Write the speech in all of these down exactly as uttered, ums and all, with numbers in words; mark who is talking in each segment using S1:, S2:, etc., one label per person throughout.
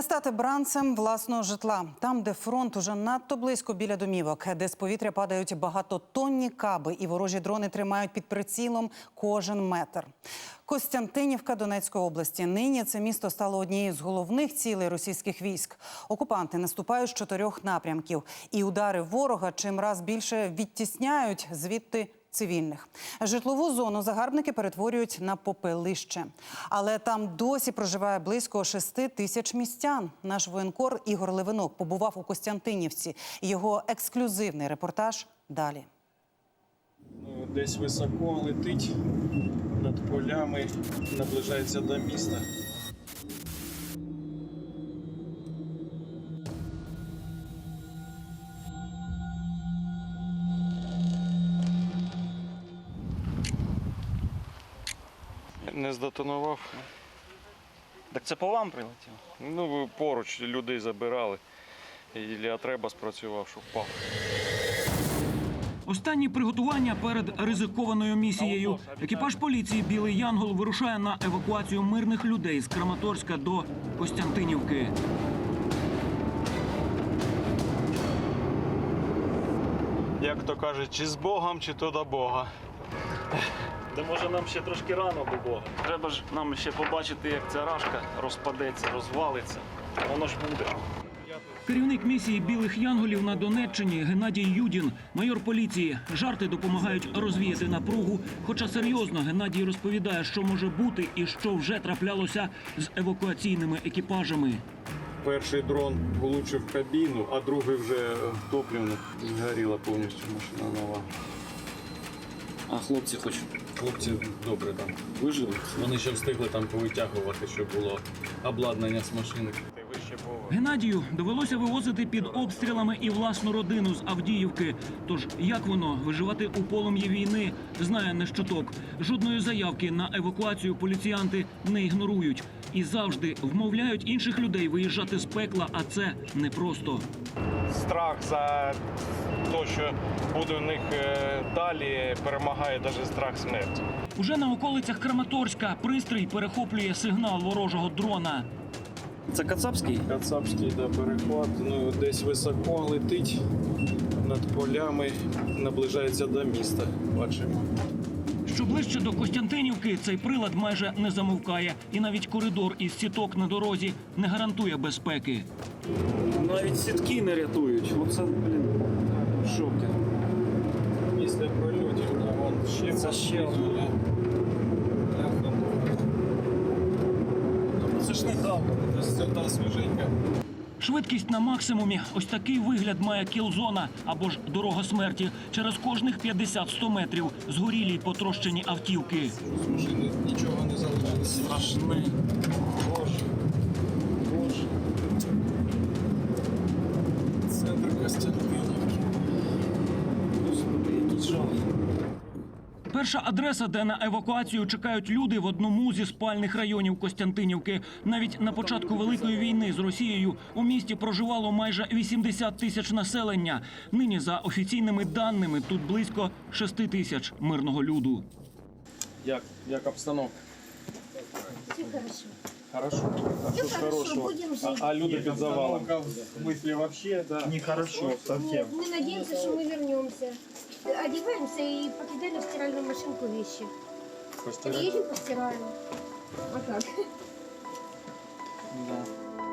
S1: Не стати бранцем власного житла. Там, де фронт уже надто близько біля домівок, де з повітря падають багатотонні каби і ворожі дрони тримають під прицілом кожен метр. Костянтинівка Донецької області. Нині це місто стало однією з головних цілей російських військ. Окупанти наступають з чотирьох напрямків. І удари ворога чимраз більше відтісняють звідти цивільних. Житлову зону загарбники перетворюють на попелище. Але там досі проживає близько шести тисяч містян. Наш воєнкор Ігор Левинок побував у Костянтинівці. Його ексклюзивний репортаж далі.
S2: Десь високо летить над полями, наближається до міста. Не здетонував.
S3: Так це по вам прилетіло?
S2: Ну, поруч людей забирали. І треба спрацював, що впав.
S4: Останні приготування перед ризикованою місією. Екіпаж поліції «Білий Янгол» вирушає на евакуацію мирних людей з Краматорська до Костянтинівки.
S2: Як то кажуть, чи з Богом, чи то до Бога.
S3: Та може нам ще трошки рано до Бога. Треба ж нам ще побачити, як ця рашка розпадеться, розвалиться. Воно ж буде.
S4: Керівник місії «Білих Янголів» на Донеччині Геннадій Юдін, майор поліції. Жарти допомагають розвіяти напругу. Хоча серйозно Геннадій розповідає, що може бути і що вже траплялося з евакуаційними екіпажами.
S2: Перший дрон влучив в кабіну, а другий вже топливно. Згоріла повністю машина нова.
S3: А хлопці хоч?
S2: Хлопці добре там вижили. Вони ще встигли там повитягувати, щоб було обладнання з машини.
S4: Геннадію довелося вивозити під обстрілами і власну родину з Авдіївки. Тож як воно виживати у полум'ї війни, знає не щоток. Жодної заявки на евакуацію поліціянти не ігнорують. І завжди вмовляють інших людей виїжджати з пекла, а це непросто.
S2: Страх за те, що буде у них далі, перемагає навіть страх смерті.
S4: Уже на околицях Краматорська пристрій перехоплює сигнал ворожого дрона.
S3: Це кацапський?
S2: Кацапський, да, перехват. Ну, десь високо летить над полями, наближається до міста. Бачимо.
S4: Що ближче до Костянтинівки, цей прилад майже не замовкає. І навіть коридор із сіток на дорозі не гарантує безпеки.
S3: Навіть сітки не рятують. Оце, блін, в шокі.
S2: Після прольотів, а вон ще
S3: Це ще одне.
S2: Це ж не давно, це та свіженька.
S4: Швидкість на максимумі. Ось такий вигляд має кіл-зона або ж дорога смерті. Через кожних п'ятдесят-сто метрів згорілі й потрощені автівки.
S2: З машини нічого не залишилося.
S3: Страшне.
S2: Боже. Боже. Центр Костянтинівки.
S3: Господи, який жах.
S4: Перша адреса, де на евакуацію чекають люди, в одному зі спальних районів Костянтинівки. Навіть на початку Великої війни з Росією у місті проживало майже вісімдесят тисяч населення. Нині, за офіційними даними, тут близько шести тисяч мирного люду.
S2: Як, як обстановка?
S5: Все хорошо.
S2: Хорошо. А
S5: Все
S2: що
S5: хорошо,
S2: хорошого?
S5: будем жить.
S2: А, а люди під завалом? В смысле вообще, да. Нехорошо совсем.
S5: Мы надеемся, что мы вернемся. Одеваемся и покидали в стиральную машинку вещи.
S2: Постирать?
S5: Приедем, постираем. А как?
S2: Да.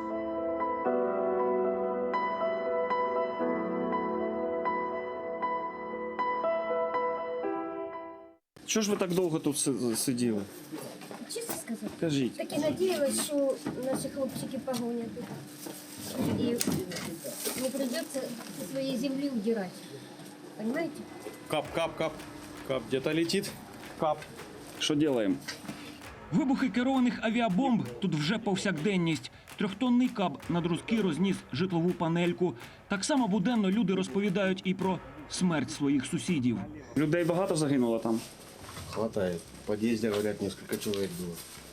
S3: Чого ж ви так довго тут си- сиділи?
S5: Честно сказать.
S3: Кажіть.
S5: Так и надеялась, что наши хлопчики погонят их. И не придется со своей земли удирать. Понимаете?
S2: Кап, кап, кап. Кап где-то летит. Кап.
S3: Що робимо?
S4: Вибухи керованих авіабомб тут вже повсякденність. Трьохтонний каб над Руски розніс житлову панельку. Так само буденно люди розповідають і про смерть своїх сусідів.
S3: Людей багато загинуло там?
S6: Хватает. В подъезде, говорят, несколько человек было.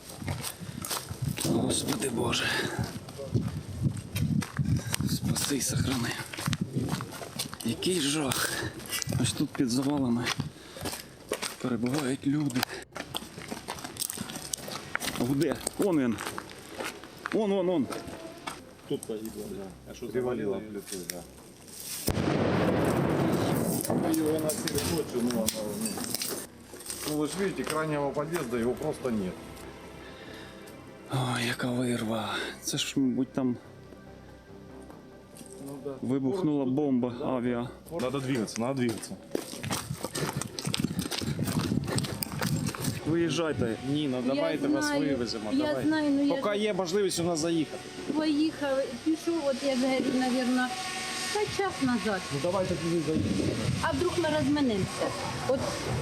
S3: Господи Боже. Спаси й сохрани. Який жах. Ось тут під завалами перебувають люди. Де? Он він. Он, он, он.
S2: Тут погибло, да. А що
S6: Привалило
S2: завалило?
S6: плитой, да.
S2: Ми його носили ночью, ну воно, ну,
S6: Ну вы же видите, крайнего подъезда его просто нет.
S3: Ой, яка вирва. Це ж, мабуть, там
S2: ну да.
S3: вибухнула бомба авіа.
S6: Надо двигаться, надо двигаться.
S3: Виїжджайте.
S2: Ніна, давайте вас
S5: знаю,
S2: вивеземо.
S5: я
S2: давайте.
S5: знаю, ну я
S2: Поки є можливість у нас заїхати.
S5: поїхав, пішов, от я говорю, мабуть, та час назад.
S2: Ну давайте туди заїдемо.
S5: А вдруг ми розминемося? От...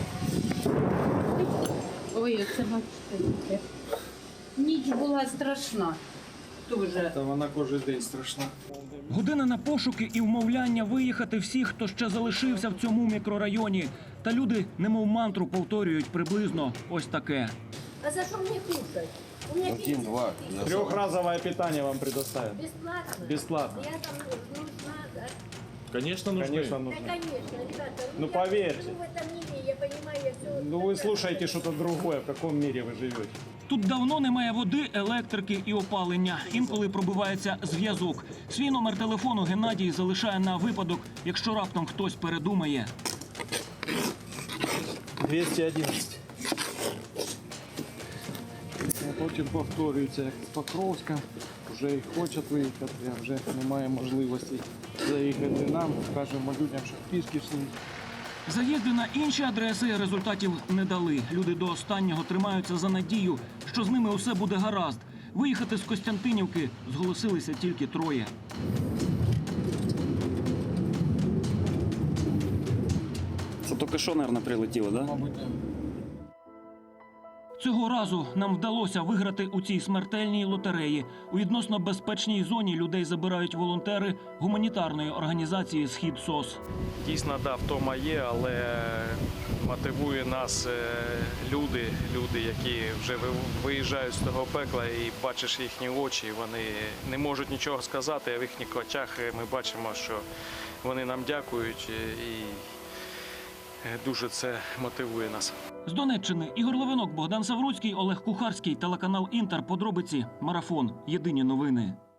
S5: Ой, це бачите. Ніч була страшна. Дуже.
S2: Та вона кожен день страшна.
S4: Година на пошуки і вмовляння виїхати всіх, хто ще залишився в цьому мікрорайоні. Та люди, немов мантру, повторюють приблизно ось таке.
S5: А за що мені кушать? У мене
S6: Один, два. Я
S2: Трехразовое питание вам предоставим.
S5: Бесплатно?
S2: Бесплатно.
S5: Я там нужна, да?
S2: Конечно, нужны. Конечно,
S5: Да,
S2: нужны.
S5: конечно, ребята.
S2: Ну,
S5: я
S2: поверьте.
S5: живу в этом мире, я понимаю, я все...
S2: Ну вы слушаете что-то другое, в каком мире вы живете.
S4: Тут давно немає води, електрики і опалення. Інколи пробивається зв'язок. Свій номер телефону Геннадій залишає на випадок, якщо раптом хтось передумає.
S2: двісті одинадцять. А потім повторюється, як Покровська, вже і хочуть виїхати, а вже немає можливості заїхати нам. Кажемо людям, що пішки йшли.
S4: Заїзди на інші адреси результатів не дали. Люди до останнього тримаються за надію, що з ними усе буде гаразд. Виїхати з Костянтинівки зголосилися тільки троє.
S3: Це тільки що, мабуть, прилетіло, так? Да?
S2: Мабуть,
S4: Цього разу нам вдалося виграти у цій смертельній лотереї. У відносно безпечній зоні людей забирають волонтери гуманітарної організації «Схід СОС».
S7: Дійсно, да, втома є, але мотивує нас е, люди, люди, які вже ви- виїжджають з того пекла і бачиш їхні очі, вони не можуть нічого сказати, а в їхніх очах ми бачимо, що вони нам дякують і е, дуже це мотивує нас.
S4: З Донеччини Ігор Левинок, Богдан Савруцький, Олег Кухарський, телеканал «Інтер». Подробиці. Марафон. Єдині новини.